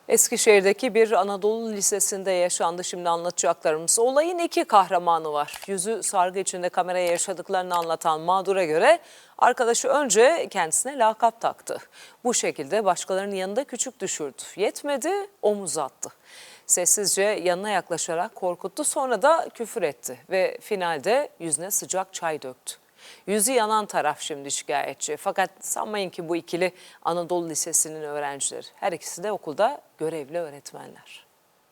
Eskişehir'deki bir Anadolu Lisesi'nde yaşandı şimdi anlatacaklarımız. Olayın iki kahramanı var. Yüzü sargı içinde kameraya yaşadıklarını anlatan mağdura göre arkadaşı önce kendisine lakap taktı. Bu şekilde başkalarının yanında küçük düşürdü. Yetmedi, omuz attı. Sessizce yanına yaklaşarak korkuttu, sonra da küfür etti ve finalde yüzüne sıcak çay döktü. Yüzü yanan taraf şimdi şikayetçi. Fakat sanmayın ki bu ikili Anadolu Lisesi'nin öğrencileri. Her ikisi de okulda görevli öğretmenler.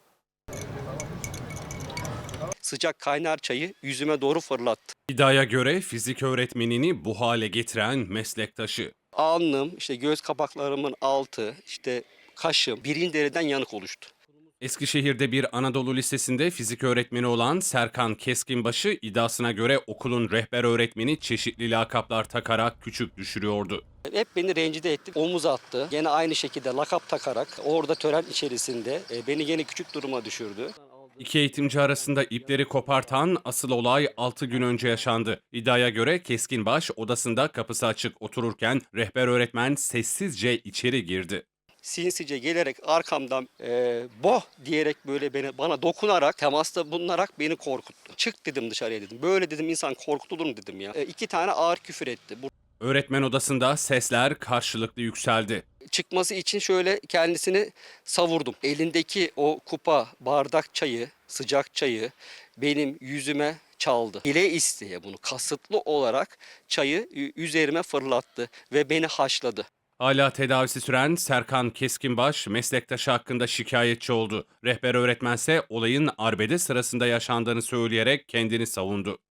Sıcak kaynar çayı yüzüme doğru fırlattı. İddiaya göre fizik öğretmenini bu hale getiren meslektaşı. Alnım, işte göz kapaklarımın altı, işte kaşım birinci dereceden yanık oluştu. Eskişehir'de bir Anadolu Lisesi'nde fizik öğretmeni olan Serkan Keskinbaşı iddiasına göre okulun rehber öğretmeni çeşitli lakaplar takarak küçük düşürüyordu. Hep beni rencide etti, omuz attı. Gene aynı şekilde lakap takarak orada tören içerisinde beni gene küçük duruma düşürdü. İki eğitimci arasında ipleri kopartan asıl olay 6 gün önce yaşandı. İddiaya göre Keskinbaş odasında kapısı açık otururken rehber öğretmen sessizce içeri girdi. Sinsice gelerek arkamdan boh diyerek böyle bana dokunarak, temasta bulunarak beni korkuttu. Çık dedim, dışarıya dedim. Böyle dedim, insan korkutulur mu dedim ya. İki tane ağır küfür etti. Öğretmen odasında sesler karşılıklı yükseldi. Çıkması için şöyle kendisini savurdum. Elindeki o kupa, bardak çayı, sıcak çayı benim yüzüme çaldı. Bile isteye bunu kasıtlı olarak çayı üzerime fırlattı ve beni haşladı. Hala tedavisi süren Serkan Keskinbaş meslektaşı hakkında şikayetçi oldu. Rehber öğretmense olayın arbede sırasında yaşandığını söyleyerek kendini savundu.